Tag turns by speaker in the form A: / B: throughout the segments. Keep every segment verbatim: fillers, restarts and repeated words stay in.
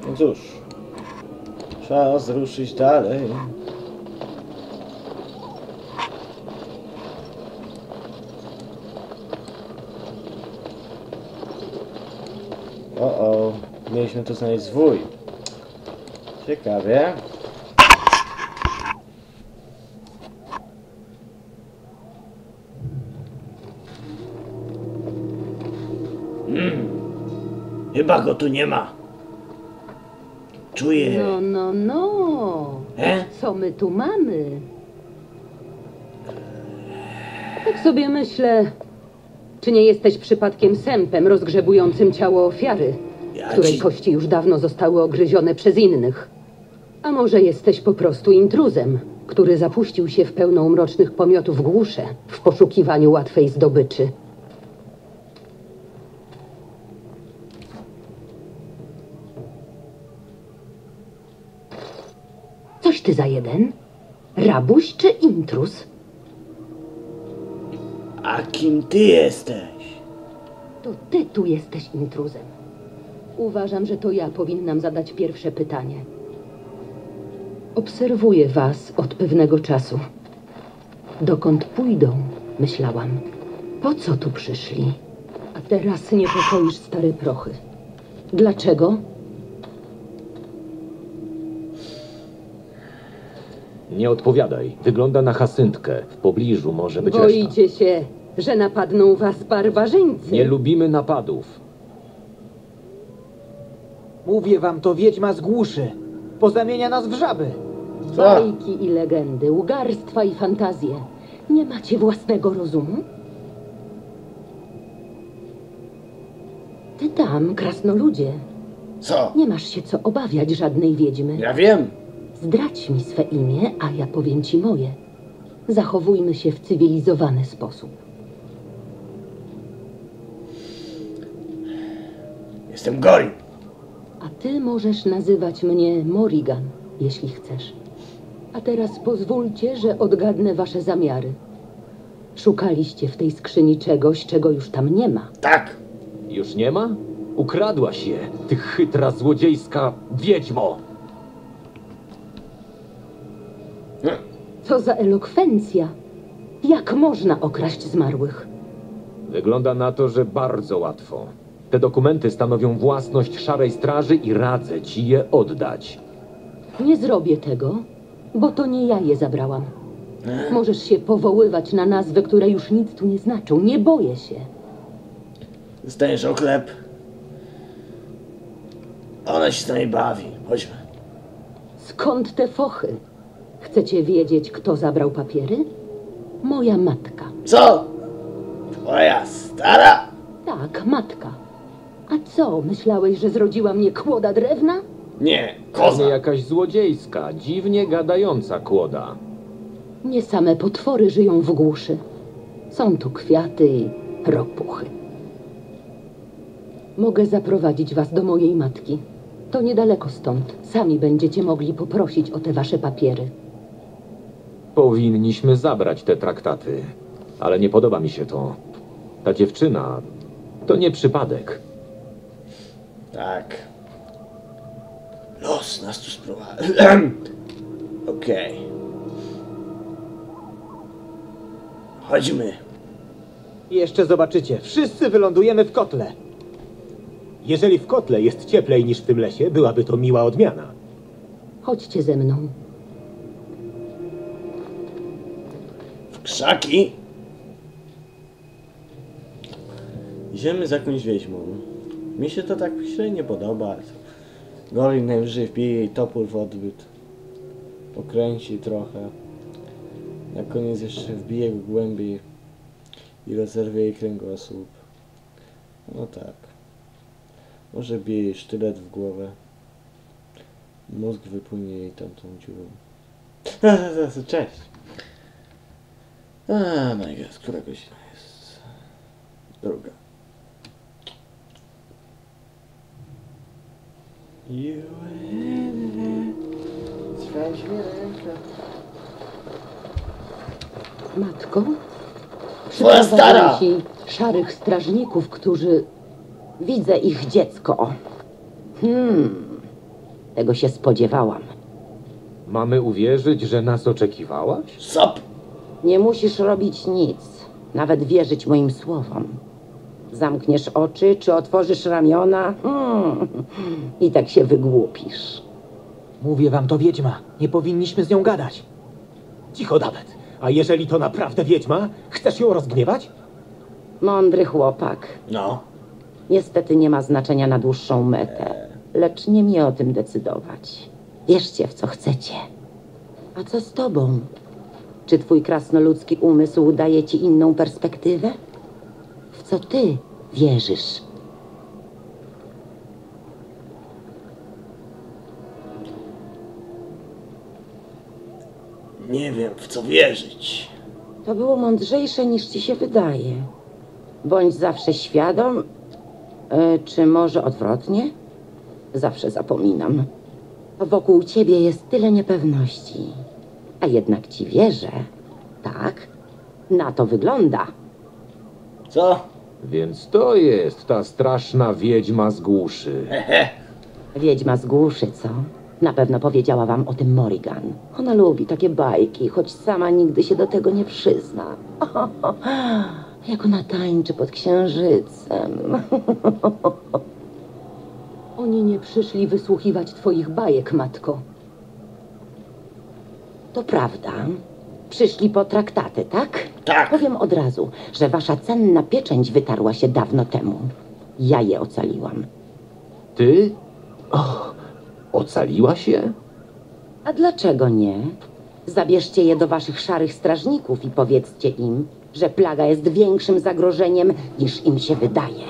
A: No cóż, czas ruszyć dalej. O, o, mieliśmy tu znaleźć zwój. Ciekawie. Hmm. Chyba go tu nie ma. Czuję.
B: No, no, no.
A: E?
B: Co my tu mamy? Tak sobie myślę, czy nie jesteś przypadkiem sępem rozgrzebującym ciało ofiary,
A: Ja
B: której
A: ci...
B: kości już dawno zostały ogryzione przez innych? A może jesteś po prostu intruzem, który zapuścił się w pełną mrocznych pomiotów głusze w poszukiwaniu łatwej zdobyczy? Coś ty za jeden? Rabuś czy intruz?
A: A kim ty jesteś?
B: To ty tu jesteś intruzem. Uważam, że to ja powinnam zadać pierwsze pytanie. Obserwuję was od pewnego czasu. Dokąd pójdą, myślałam. Po co tu przyszli? A teraz niepokoisz stare prochy. Dlaczego?
C: Nie odpowiadaj. Wygląda na Hasyntkę. W pobliżu może być reszta.
B: Boicie się, że napadną was barbarzyńcy?
C: Nie lubimy napadów.
D: Mówię wam, to wiedźma z głuszy. Pozamienia nas w żaby.
B: Bajki i legendy, łgarstwa i fantazje. Nie macie własnego rozumu? Ty tam, krasnoludzie,
A: Co?
B: nie masz się co obawiać żadnej wiedźmy.
A: Ja wiem.
B: Zdradź mi swe imię, a ja powiem ci moje. Zachowujmy się w cywilizowany sposób.
A: Jestem Gorin.
B: A ty możesz nazywać mnie Morrigan, jeśli chcesz. A teraz pozwólcie, że odgadnę wasze zamiary. Szukaliście w tej skrzyni czegoś, czego już tam nie ma.
A: Tak.
C: Już nie ma? Ukradłaś je, ty chytra, złodziejska wiedźmo!
B: Co za elokwencja! Jak można okraść zmarłych?
C: Wygląda na to, że bardzo łatwo. Te dokumenty stanowią własność Szarej Straży i radzę ci je oddać.
B: Nie zrobię tego, bo to nie ja je zabrałam. Możesz się powoływać na nazwy, które już nic tu nie znaczą. Nie boję się.
A: Dostajesz oklep. Ona się z nami bawi. Chodźmy.
B: Skąd te fochy? Chcecie wiedzieć, kto zabrał papiery? Moja matka.
A: Co? Twoja stara?
B: Tak, matka. A co, myślałeś, że zrodziła mnie kłoda drewna?
A: Nie,
C: Pewnie
A: koza.
C: jakaś złodziejska, dziwnie gadająca kłoda.
B: Nie same potwory żyją w głuszy. Są tu kwiaty i ropuchy. Mogę zaprowadzić was do mojej matki. To niedaleko stąd. Sami będziecie mogli poprosić o te wasze papiery.
C: Powinniśmy zabrać te traktaty, ale nie podoba mi się to. Ta dziewczyna to nie przypadek.
A: Tak. Los nas tu sprowadzi. Okej. Chodźmy.
D: Jeszcze zobaczycie, wszyscy wylądujemy w kotle. Jeżeli w kotle jest cieplej niż w tym lesie, byłaby to miła odmiana.
B: Chodźcie ze mną.
A: W krzaki. Idziemy z jakąś wieźmą. Mi się to tak średnio podoba. Gorin najwyżej wbije jej topór w odbyt. Pokręci trochę. Na koniec jeszcze wbije go głębiej i rozerwie jej kręgosłup. No tak. Może bije jej sztylet w głowę. Mózg wypłynie jej tamtą dziurą. Cześć! A, my God, która godzina jest? Druga. You Sprawdź mi rękę.
B: Matko?
A: Twoja stara!
B: Ci szarych strażników, którzy... Widzę ich dziecko. Hmm. Tego się spodziewałam.
C: Mamy uwierzyć, że nas oczekiwałaś?
A: Sop!
B: Nie musisz robić nic, nawet wierzyć moim słowom. Zamkniesz oczy, czy otworzysz ramiona hmm. i tak się wygłupisz.
D: Mówię wam, to wiedźma. Nie powinniśmy z nią gadać. Cicho, Dawet. A jeżeli to naprawdę wiedźma, chcesz ją rozgniewać?
B: Mądry chłopak.
A: No.
B: Niestety nie ma znaczenia na dłuższą metę, lecz nie mi o tym decydować. Wierzcie w co chcecie. A co z tobą? Czy twój krasnoludzki umysł daje ci inną perspektywę? W co ty wierzysz?
A: Nie wiem, w co wierzyć.
B: To było mądrzejsze niż ci się wydaje. Bądź zawsze świadom, e, czy może odwrotnie? Zawsze zapominam. Wokół ciebie jest tyle niepewności. A jednak ci wierzę. Tak? Na to wygląda.
A: Co?
C: Więc to jest ta straszna wiedźma z głuszy.
B: Wiedźma z głuszy, co? Na pewno powiedziała wam o tym Morrigan. Ona lubi takie bajki, choć sama nigdy się do tego nie przyzna. Jak ona tańczy pod księżycem. Oni nie przyszli wysłuchiwać twoich bajek, matko. To prawda. Przyszli po traktaty, tak?
A: Tak.
B: Powiem od razu, że wasza cenna pieczęć wytarła się dawno temu. Ja je ocaliłam.
C: Ty? Och, ocaliła się?
B: A dlaczego nie? Zabierzcie je do waszych szarych strażników i powiedzcie im, że plaga jest większym zagrożeniem, niż im się wydaje.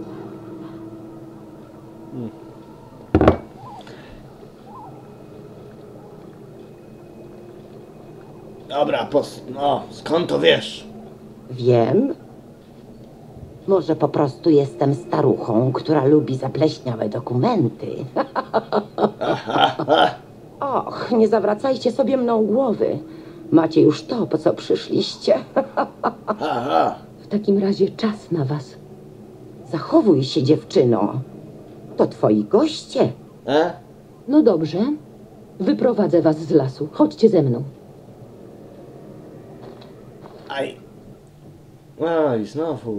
A: Dobra, pos... no, skąd to wiesz?
B: Wiem. Może po prostu jestem staruchą, która lubi zapleśniałe dokumenty. Och, nie zawracajcie sobie mną głowy. Macie już to, po co przyszliście.
A: Aha.
B: W takim razie czas na was. Zachowuj się, dziewczyno. To twoi goście.
A: E?
B: No dobrze. Wyprowadzę was z lasu. Chodźcie ze mną.
A: Aj. Aj, znowu.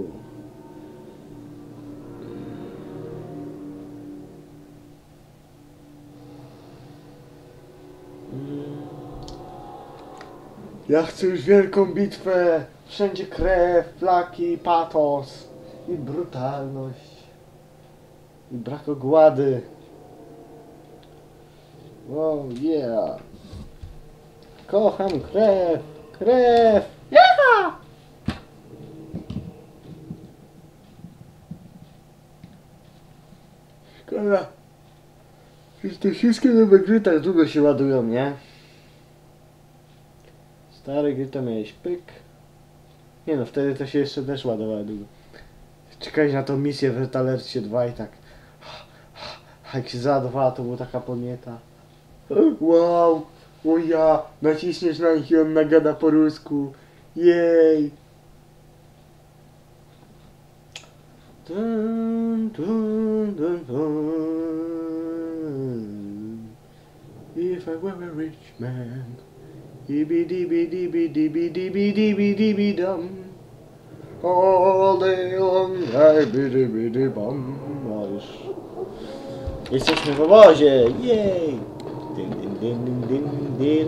A: Ja chcę już wielką bitwę. Wszędzie krew, flaki, patos i brutalność. I brak ogłady. Oh yeah. Kocham krew. Krew. Yeah! Szkoda. Przecież te wszystkie nowe gry tak długo się ładują, nie? Stare gry to miałeś pyk. Nie no, wtedy to się jeszcze też ładowało długo. Czekać na tą misję w Retalercie dwa i tak. Jak się załadowała, to była taka podnieta. Wow! O ja! Naciśniesz na nich i on nagada po rusku. Jej! Dun, dun, dun, dun. If I were a rich man. Dibby dibby dibby dibby dibby dibby dibby dum. All day long I biddy biddy bum. No już. Jesteśmy w obozie! Jej! Din, din, din, din, din, din.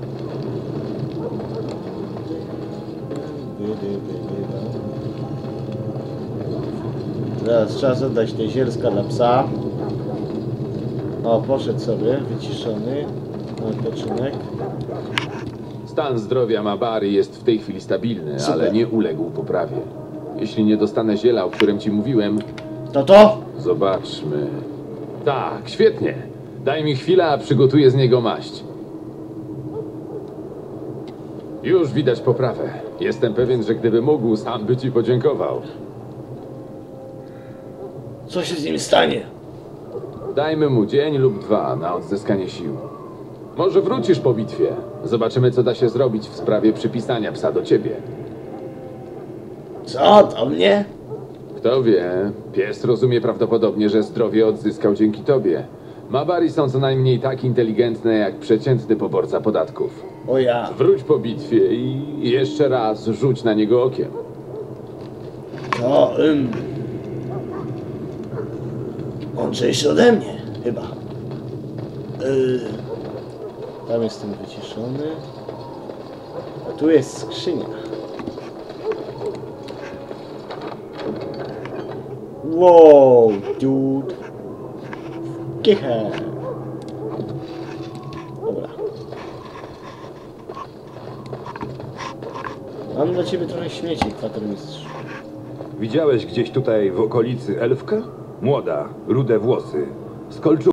A: Teraz czas oddać te zielska dla psa. O, poszedł sobie, wyciszony. Na odpoczynek.
C: Stan zdrowia Mabary jest w tej chwili stabilny,
A: Super.
C: ale nie uległ poprawie. Jeśli nie dostanę ziela, o którym ci mówiłem,
A: To to?
C: zobaczmy. Tak, świetnie. Daj mi chwilę, a przygotuję z niego maść. Już widać poprawę. Jestem pewien, że gdyby mógł, sam by ci podziękował.
A: Co się z nim stanie?
C: Dajmy mu dzień lub dwa na odzyskanie sił. Może wrócisz po bitwie. Zobaczymy, co da się zrobić w sprawie przypisania psa do ciebie.
A: Co? Do mnie?
C: Kto wie, pies rozumie prawdopodobnie, że zdrowie odzyskał dzięki tobie. Mabari są co najmniej tak inteligentne jak przeciętny poborca podatków.
A: O ja.
C: Wróć po bitwie i jeszcze raz rzuć na niego okiem.
A: To, ym... mądrzejszy ode mnie, chyba. Yy... Tam jestem wyciszony. A tu jest skrzynia. Wow, dude. Kiche. Dobra. Mam dla ciebie trochę śmieci, kwatermistrz.
E: Widziałeś gdzieś tutaj w okolicy elfkę? Młoda, rude włosy. Z kolczu